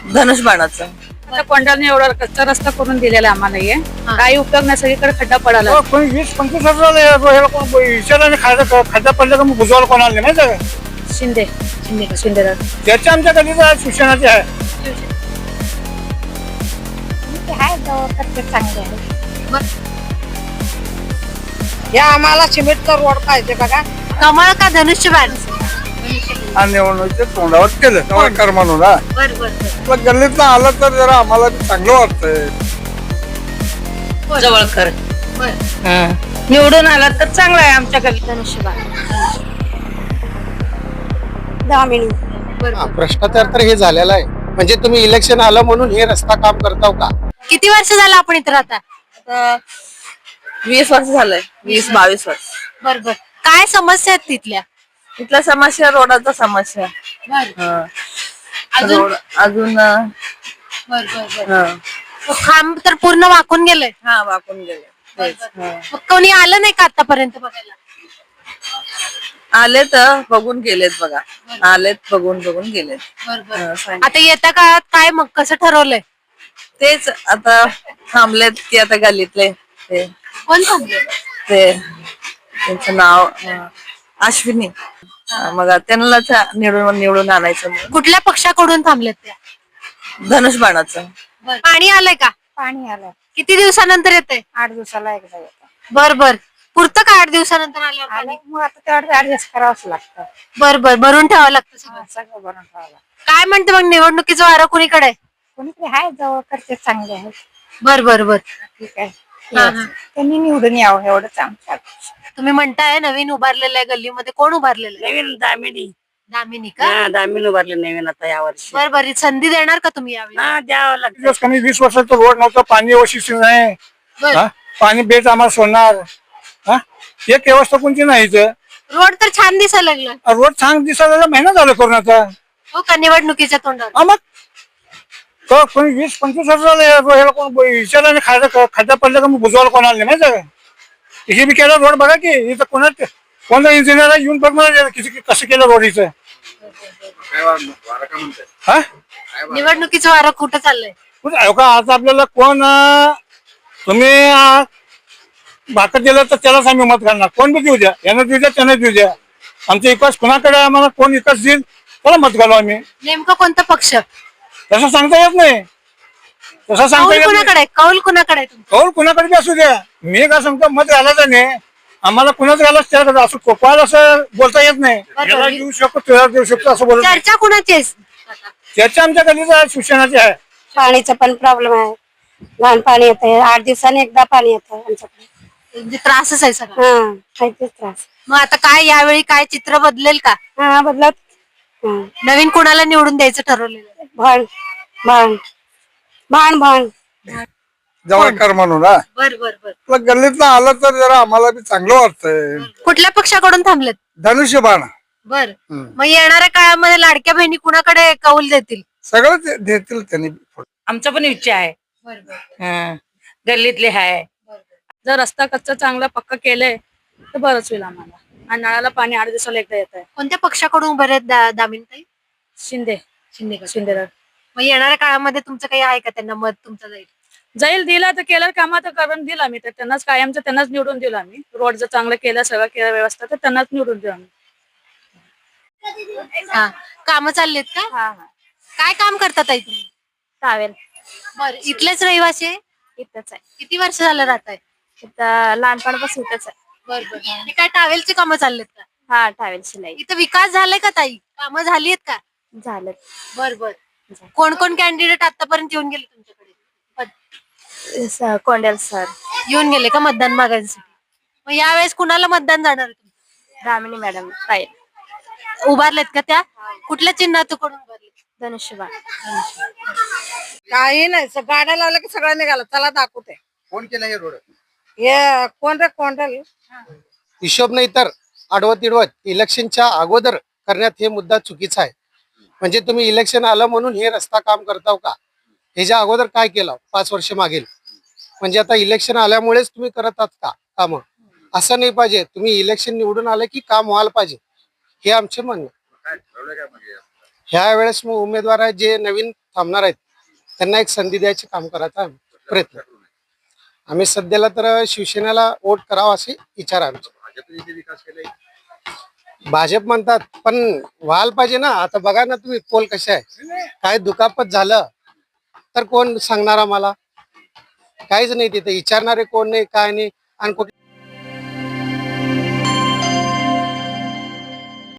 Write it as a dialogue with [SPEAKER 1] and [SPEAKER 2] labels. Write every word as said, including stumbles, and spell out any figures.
[SPEAKER 1] धनुष्यबाणाचं.
[SPEAKER 2] आता कोंडाने एवढा कच्चा रस्ता करून दिलेला आम्हाला हे काही उपयोग नाही, सगळीकडे खड्डा पडाला.
[SPEAKER 3] कोणी वीस पंचवीस हजार विचाराने खायचा खड्डा पडला का मग बुजवायला कोणाला नाही माहिती का?
[SPEAKER 2] शिंदे शिंदे शिंदे
[SPEAKER 3] त्याच्या आमच्या गल्लीचं आहे, शिक्षणाचे आहे.
[SPEAKER 4] चांगले आहे. या आम्हाला सिमेंटचा रोड पाहिजे बघा.
[SPEAKER 5] कमळ का धनुष्यबाण?
[SPEAKER 3] आणि निवडणुकीच्या तोंडावर केलं कर म्हणून
[SPEAKER 5] बर बर
[SPEAKER 3] गल्लीत आलं तर जरा आम्हाला चांगलं वाटतंय.
[SPEAKER 1] जवळकर
[SPEAKER 5] बर.
[SPEAKER 1] निवडून आला तर चांगला आहे आमच्या गल्लीत.
[SPEAKER 5] धनुष्यबाण.
[SPEAKER 4] दामिनी
[SPEAKER 5] बर.
[SPEAKER 6] भ्रष्टाचार तर हे झालेला आहे. म्हणजे तुम्ही इलेक्शन आलं म्हणून हे रस्ता काम करताव का?
[SPEAKER 5] किती वर्ष झालं आपण इथं राहता?
[SPEAKER 1] आता वीस वर्ष झालंय, वीस बावीस वर्ष.
[SPEAKER 5] बर बर. काय समस्या आहेत तिथल्या?
[SPEAKER 1] इथल्या समस्या रोडाचा समस्या.
[SPEAKER 5] बर.
[SPEAKER 1] हं.
[SPEAKER 5] अजून?
[SPEAKER 1] रोड अजून अं,
[SPEAKER 5] बर बर बर.
[SPEAKER 1] हं.
[SPEAKER 5] तो खांब तर पूर्ण वाकून गेलंय.
[SPEAKER 1] हा वाकून गेले. तेच. हं.
[SPEAKER 5] मग कोणी आलं नाही का आतापर्यंत बघायला?
[SPEAKER 1] आलेत बघून गेलेत बघा. आलेत बघून बघून गेलेत.
[SPEAKER 5] बर बर.
[SPEAKER 1] हं, सांग.
[SPEAKER 5] आता येत्या काळात काय मग कसं ठरवलंय?
[SPEAKER 1] तेच आता थांबलेत की आता गल्लीतले ते
[SPEAKER 5] कोण थांबले?
[SPEAKER 1] ते त्यांचं नाव अं, अश्विनी. अं, मग त्यांना निवडून निवडून आणायचं म्हणून.
[SPEAKER 5] कुठल्या पक्षाकडून थांबलेत त्या?
[SPEAKER 1] धनुष्यबाणाचं.
[SPEAKER 5] पाणी आलंय का?
[SPEAKER 4] पाणी आलं
[SPEAKER 5] किती दिवसानंतर येतंय?
[SPEAKER 4] आठ दिवसाला एकदा येतं.
[SPEAKER 5] बर बर. पुरतं का आठ दिवसानंतर आल्यावर पाणी?
[SPEAKER 4] आलं मग आता तेवढं ऍडजस्ट करावंच लागतं.
[SPEAKER 5] बर बर. भरून ठेवावं लागतं सगळं.
[SPEAKER 4] हा, सगळं बनवून ठेवावं लागतं.
[SPEAKER 5] काय म्हणते मग निवडणुकीचं वारं कुणीकडे आहे?
[SPEAKER 4] कोणीतरी आहे जवळ करते चांगले आहेत.
[SPEAKER 5] बर बर बर.
[SPEAKER 4] ठीक आहे.
[SPEAKER 5] हा, हा.
[SPEAKER 4] त्यांनी निवडून यावं एवढंच आमच्या अपेक्षा.
[SPEAKER 5] तुम्ही म्हणताय नवीन उभारलेलं आहे गल्लीमध्ये, कोण उभारलेलं आहे?
[SPEAKER 7] नवीन दामिनी
[SPEAKER 5] दामिनी का?
[SPEAKER 7] हा दामिनी उभारले नवीन आता या वर्षी.
[SPEAKER 5] बर बर. संधी देणार का तुम्ही यावेळी?
[SPEAKER 7] हा द्यावं लागतं.
[SPEAKER 3] दिवस कमी वीस वर्षाचं रोड नव्हतं, पाणी व्यवस्थित नाही.
[SPEAKER 5] बर.
[SPEAKER 3] हा? पाणी बेट आम्हाला सोडणार. हा एक व्यवस्था कोणती नाही इथं.
[SPEAKER 5] रोड तर छान दिसायला लागलं.
[SPEAKER 3] रोड छान दिसायला महिना झाला करून आता.
[SPEAKER 5] हो का? निवडणुकीच्या तोंडावर.
[SPEAKER 3] हा मग तो कोणी वीस पंचवीस हजार कोण विचाराने खायचा खड्डा पडला का मग बुजवायला कोणाला नाही माहिती का? हे बी केलं रोड बघा की इथं कोणा कोणता इंजिनियर येऊन बघ मला किती कसं केलं रोड इथं. हा
[SPEAKER 5] निवडणुकीचं वारं कुठं चाललंय?
[SPEAKER 3] कुठं हो का? आता आपल्याला कोण अं, तुम्ही अं, भाकर दिलं तर त्यालाच आम्ही मत घालणार. कोण बी देऊ द्या, यानं देऊ द्या त्यानं देऊ द्या. आमचा विकास कुणाकडे आम्हाला कोण विकास देईल त्याला मत घालू आम्ही.
[SPEAKER 5] नेमकं कोणता पक्ष?
[SPEAKER 3] तसं सांगता येत नाही. तसं सांगता
[SPEAKER 5] कौल
[SPEAKER 3] येत नाही.
[SPEAKER 5] कुणाकडे आहे? कौल कुणाकडे आहे तुमचा?
[SPEAKER 3] कौल कुणाकडे बी असू द्या. मी काय सांगतो मत घालायचं नाही. आम्हाला कुणाच घालायचं त्याला असं कोपाल असं बोलता येत नाही. याला देऊ शकतो त्याला देऊ शकतो असं बोलत नाही.
[SPEAKER 5] चर्चा कुणाची आहे?
[SPEAKER 3] त्याच्या आमच्या गल्लीचं आहे, शिक्षणाचे आहे.
[SPEAKER 4] पाणीचा पण प्रॉब्लेम आहे. लहान पाणी येतं, आठ दिवसांनी एकदा पाणी येतं आमच्याकडे.
[SPEAKER 5] म्हणजे त्रासच आहे सगळा.
[SPEAKER 4] हा आहे तेच त्रास.
[SPEAKER 5] मग आता काय यावेळी काय चित्र बदलेल का?
[SPEAKER 4] हा बदलत. हा.
[SPEAKER 5] नवीन कुणाला निवडून द्यायचं ठरवलेलं आहे?
[SPEAKER 4] भाण भाण भाण भाण
[SPEAKER 3] जवळकर म्हणून हा
[SPEAKER 5] बर बर बर.
[SPEAKER 3] आपलं गल्लीतनं आलं तर जरा आम्हाला बी चांगलं वाटतंय.
[SPEAKER 5] कुठल्या पक्षाकडून थांबलेत?
[SPEAKER 3] धनुष्यबाण
[SPEAKER 5] बर. मग येणाऱ्या काळामध्ये लाडक्या बहिणी कुणाकडे कौल देतील?
[SPEAKER 3] सगळं ते देतील त्यांनी.
[SPEAKER 2] आमचा पण इच्छा आहे. हं. गल्लीतले आहे. जर रस्ता कच्चा चांगला पक्का केलंय तर बरंच होईल आम्हाला. आणि नळाला पाणी आठ दिवसाला एकदा येत आहे.
[SPEAKER 5] कोणत्या पक्षाकडून उभे आहेत दा- दामिनीताई?
[SPEAKER 2] शिंदे
[SPEAKER 5] शिंदे का?
[SPEAKER 2] शिंदे
[SPEAKER 5] मग येणाऱ्या काळामध्ये तुमचं काही आहे का त्यांना मत तुमचं जाईल?
[SPEAKER 2] जाईल दिला तर केलं काम तर करून दिलं आम्ही तर त्यांनाच कायमचं त्यांनाच निवडून दिलं आम्ही. रोड जर चांगलं केलं सगळं केलं व्यवस्था तर त्यांनाच निवडून दिलं आम्ही.
[SPEAKER 5] हा. कामं चाललेत का? काय काम करतात ताई तुम्ही?
[SPEAKER 8] टावेल
[SPEAKER 5] बर. इथलेच रहिवासी आहे?
[SPEAKER 8] इथंच आहे.
[SPEAKER 5] किती वर्ष झालं राहत आहे?
[SPEAKER 8] इथं लहानपणापासून इथंच आहे.
[SPEAKER 5] बर बर. हे काय टावेलची कामं चाललेत का?
[SPEAKER 8] हा टावेल शिलाई
[SPEAKER 5] इथं विकास झालाय का ताई? कामं झाली आहेत का?
[SPEAKER 8] झालं.
[SPEAKER 5] बर बर. कोण कोण कॅन्डिडेट आतापर्यंत येऊन गेले तुमच्याकडे?
[SPEAKER 8] स- कोंडेल सर,
[SPEAKER 5] येऊन गेले का मतदान मागायसाठी? मग यावेळेस कुणाला मतदान जाणार आहे तुमचं?
[SPEAKER 8] दामिनी मॅडम, ताई,
[SPEAKER 5] उभारलेत का त्या? कुठल्या चिन्हातून उभारले?
[SPEAKER 8] धनुष्यबाण.
[SPEAKER 4] काही नाही स- गाड्या लावल्या की सगळं निघालं. चला दाखवते.
[SPEAKER 6] कोण केलं हे रोड?
[SPEAKER 4] हे कोण रे कोंडल?
[SPEAKER 6] हिशोब नाही तर आडवत तिडवत इलेक्शनच्या अगोदर करण्यात हे मुद्दा चुकीचा आहे. म्हणजे तुम्ही इलेक्शन आलं म्हणून हे रस्ता काम करताव का? ह्याच्या अगोदर काय केलं पाच वर्ष मागेल? म्हणजे आता इलेक्शन आल्यामुळेच तुम्ही करत आहात का काम? असं नाही पाहिजे. तुम्ही इलेक्शन निवडून आले की काम व्हायला पाहिजे, हे आमचे म्हणणं. ह्या वेळेस मग उमेदवार आहे जे नवीन थांबणार आहेत त्यांना एक संधी द्यायचे काम करायचा प्रयत्न. आम्ही सध्याला तर शिवसेनेला वोट करावा असे विचार आहे आमचे. भाजप म्हणतात पण व्हायला पाहिजे ना. आता बघा ना तुम्ही पोल कसे आहे, काय दुखापत झालं तर कोण सांगणार आम्हाला? काहीच नाही, तिथे विचारणारे कोण नाही, काय नाही. आणि कुठे